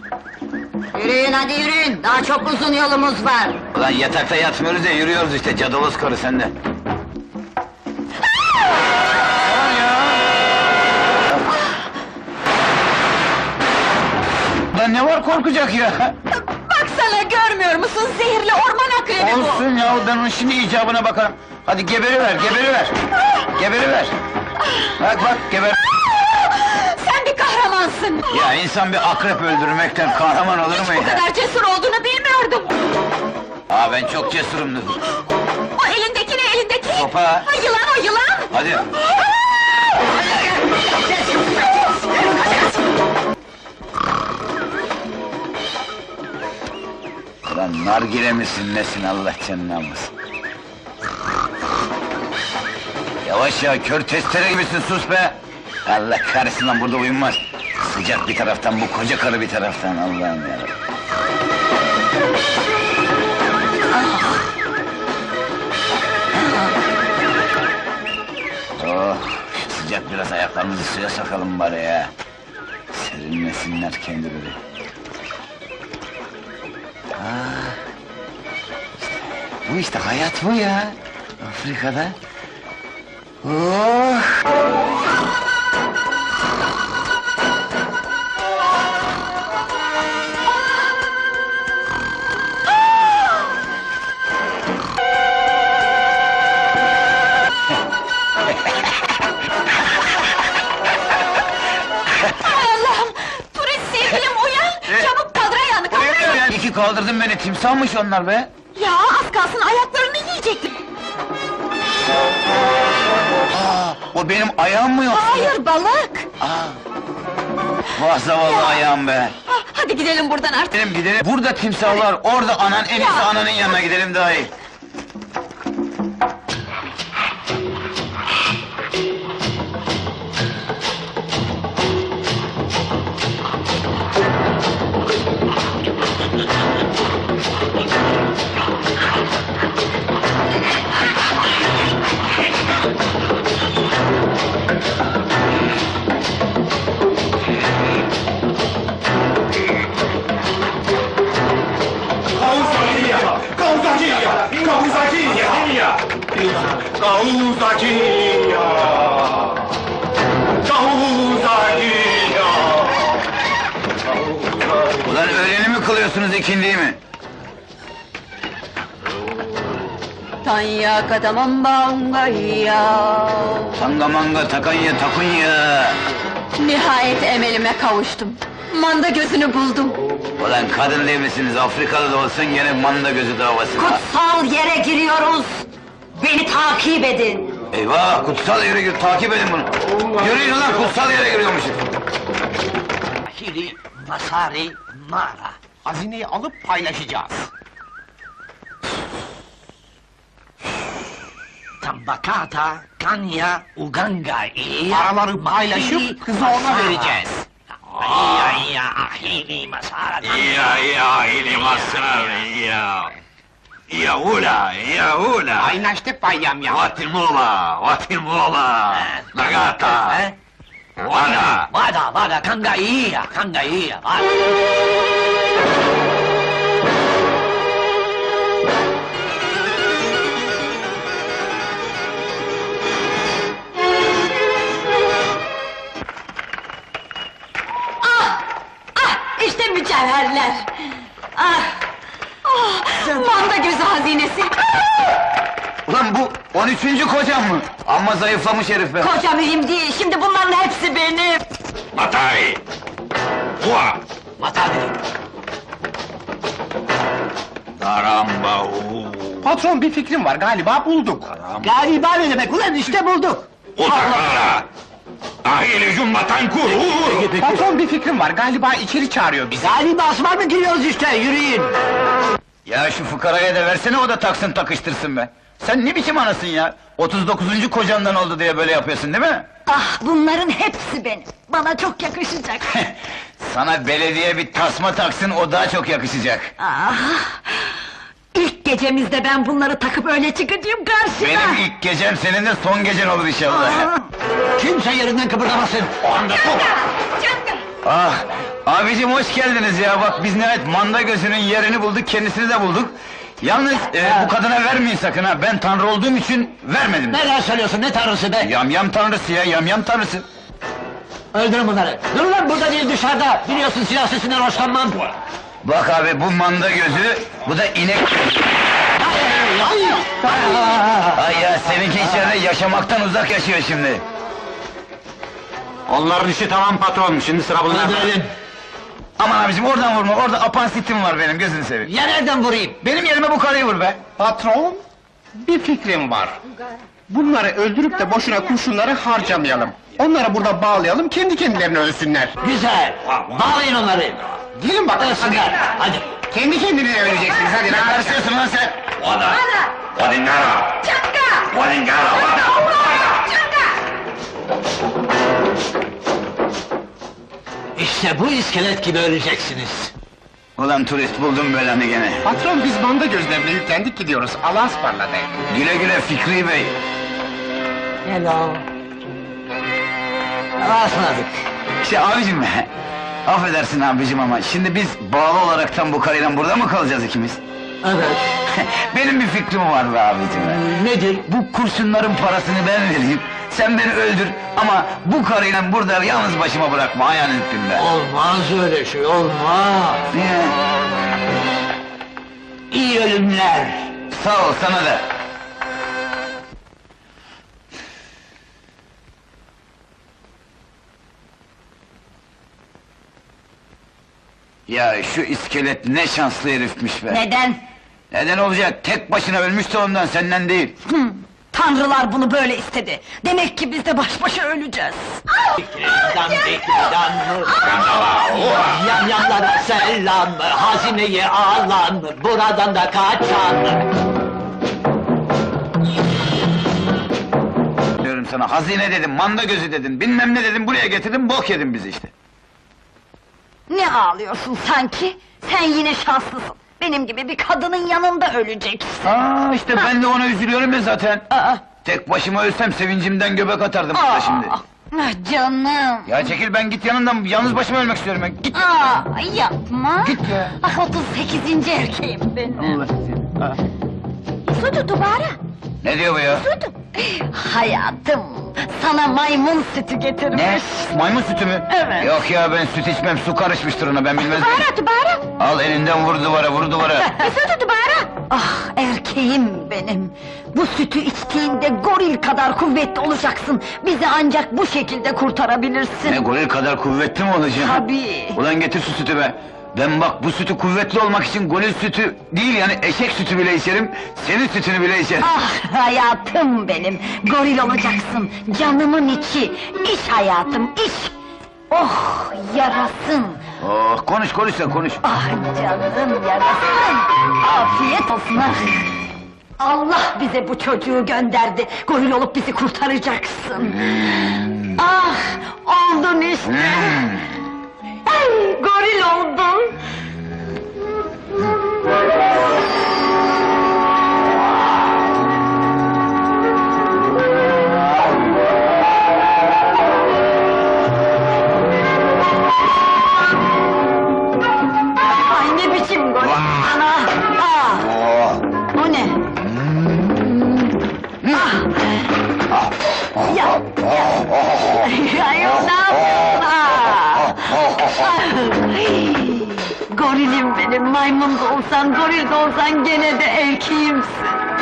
Yürüyün hadi yürüyün, daha çok uzun yolumuz var. Ulan yatakta yatmıyoruz ya, yürüyoruz işte, cadaloz karı sende. Lan ne var korkacak ya? Baksana, görmüyor musun? Zehirli orman akrebi bu! Olsun ya, ben onun şimdi icabına bakarım. Hadi geberiver, geberiver! Geberiver! Bak, geber! Sen bir kahramansın! Ya insan bir akrep öldürmekten kahraman olur mu Bu ya? kadar cesur olduğunu bilmiyordum! Aa, ben çok cesurumdur. O elindeki ne, elindeki? Sopa! Ha, yılan o, yılan! Hadi! Ulan nargile misin nesin, Allah canını almasın! Yavaş ya, kör testere gibisin, sus be! Allah kahretsin lan, burada uyunmaz! Sıcak bir taraftan, bu koca karı bir taraftan, Allah'ım yarabbim! Oh, sıcak biraz, ayaklarımızı suya sokalım bari ya! Serinlesinler kendileri! Bu işte hayat bu ya! Afrika'da! Oh! Allah'ım! Turist sevgilim uyan! Çabuk kaldır ayağını, kaldır ayağını! İyi ki kaldırdın beni, timsahmış onlar be! Ya az kalsın ayaklarını yiyecektim! Aa, o benim ayağım mı yoksa? Hayır, balık! Vah zavallı ayağım be! Ah, hadi gidelim buradan artık! Gidelim, burada timsahlar, orada anan, en iyisi Ya. ananın yanına gidelim daha iyi! Ulan öğleni mi kılıyorsunuz, ikindiyi mi? Tanya kadamambangaya. Tanga manga, takanya takunya! Nihayet emelime kavuştum. Manda gözünü buldum. Ulan kadın değil misiniz, Afrikalı da olsan gene manda gözü davası! Kutsal yere giriyoruz. Beni takip edin. Eyvah, kutsal yere gir, takip edin bunu! Yürüyün ulan, kutsal yere giriyormuşuz! Hili, Masari, Mara. Hazineyi alıp paylaşacağız. Tambakata, Kanya, Uganga. Paraları paylaşıp kızı ona vereceğiz. Ya, Hili, Masara. Ya, ili masrari, ya! Yaula! Paylaştık bayam ya. Vatimula! Nagata! Vada! Vada, Kanga iya, vada. İşte mücevherler. Manda gözü hazinesi. Ulan bu 13. kocam mı? Amma zayıflamış herif be! Koca mühim değil, şimdi bunların hepsi benim. Matai! Ua! Mata dedim. Daramba! Patron bir fikrim var, galiba bulduk. Galiba ne demek ulan, işte bulduk. Utakara! Ahili cumbatan kuru! Patron bir fikrim var, galiba içeri çağırıyor bizi. Galiba asma mı giriyoruz işte, yürüyün. Ya şu fukaraya da versene, o da taksın takıştırsın be! Sen ne biçim anasın ya? 39. kocandan oldu diye böyle yapıyorsun değil mi? Ah, bunların hepsi benim. Bana çok yakışacak. Sana belediye bir tasma taksın, o daha çok yakışacak! Ah! İlk gecemizde ben bunları takıp öyle çıkacağım karşına! Benim ilk gecem, senin de son gecen olur inşallah! Kimse yerinden kıpırdamasın. O anda top. Canım! Ah! Abicim hoş geldiniz ya, bak biz nihayet manda gözünün yerini bulduk, kendisini de bulduk. Yalnız bu kadına vermeyin sakın ha, ben tanrı olduğum için vermedim. Neler söylüyorsun, ne tanrısı be? Yamyam tanrısı ya, yamyam tanrısı. Öldürün bunları! Dur lan, burada değil dışarıda! Biliyorsun silah sesinden hoşlanmam! Bak abi, bu manda gözü, bu da inek... Ay ya, seninki içeride yaşamaktan uzak yaşıyor şimdi. Onların işi tamam patron, şimdi sıra bunlarda. Öldürelim! Aman abicim oradan vurma, orada apansitim var benim, gözünü seveyim. Ya nereden vurayım? Benim yerime bu karıyı vur be! Patron, bir fikrim var. Bunları öldürüp de boşuna kurşunları harcamayalım. Onları burada bağlayalım, kendi kendilerine ölsünler. Güzel! Bağlayın onları! Gelin bakalım, Ölsünler! Hadi! kendi kendinize öleceksiniz, hadi Ne lan. karışıyorsun lan sen? Wada! Wadingara! Çakka! Wadingara! Wada! İşte bu iskelet gibi öleceksiniz! Ulan turist, buldum belanı gene. Patron, biz manda gözlerine yüklendik gidiyoruz, Allah'a ısmarladık. Güle güle Fikri Bey. Hello! Rastladık! Abicim, affedersin abicim ama şimdi biz bağlı olaraktan bu karıyla burada mı kalacağız ikimiz? Evet! Benim bir fikrim var be abicim. Nedir? Bu kurşunların parasını ben vereyim, sen beni öldür ama bu karıyla burada yalnız başıma bırakma, ayağını öptüm be. Olmaz öyle şey, olmaz! Niye? İyi ölümler! Sağ ol, sana da. Ya şu iskelet ne şanslı herifmiş be! Neden? Neden olacak? Tek başına ölmüştü ondan, senden değil. Tanrılar bunu böyle istedi. Demek ki biz de baş başa öleceğiz. Diklidan, yamyamlara selam, hazineyi alan, buradan da kaçan. Diyorum sana, hazine dedim, manda gözü dedin, bilmem ne dedim, buraya getirdin, bok yedin bizi işte. Ne ağlıyorsun sanki? Sen yine şanslısın. Benim gibi bir kadının yanında öleceksin. Aa, işte ben de ona üzülüyorum ya zaten. Aa, Tek başıma ölsem sevincimden göbek atardım burada şimdi. ah canım. Ya çekil, ben git yanından, yalnız başıma ölmek istiyorum ben, git! Aa, yapma. Git ya. Ah, 38. erkeğim benim. Sütü duvara. Ne diyor bu ya? Sütü. Hayatım, sana maymun sütü getirmiş. Ne? Maymun sütü mü? Evet. Yok ya, ben süt içmem, su karışmıştır ona, ben bilmez miyim? Duvara. Al elinden, vur duvara, vur duvara! Sütü duvara. Ah, erkeğim benim. Bu sütü içtiğinde goril kadar kuvvetli olacaksın. Bizi ancak bu şekilde kurtarabilirsin. Ne, goril kadar kuvvetli mi olacağım? Tabii. Ulan getir şu sütü be! Ben bak, bu sütü kuvvetli olmak için goril sütü değil, yani eşek sütü bile içerim, senin sütünü bile içerim. Ah hayatım benim, goril olacaksın, canımın içi, iç hayatım, iç! Oh, yarasın! Oh, konuş konuş sen, konuş! Ah canım yarasın! Afiyet olsun ha! Allah bize bu çocuğu gönderdi, goril olup bizi kurtaracaksın! Ah, oldun işte! Ay, goril oldun! Ay ne biçim goril! Ana! Ah! Oh. O ne? Ah! Ya! Ay, ne yapıyorsun? Ah! Ay! Gorilim benim, maymun da olsan, goril de olsan gene de erkeğimsin.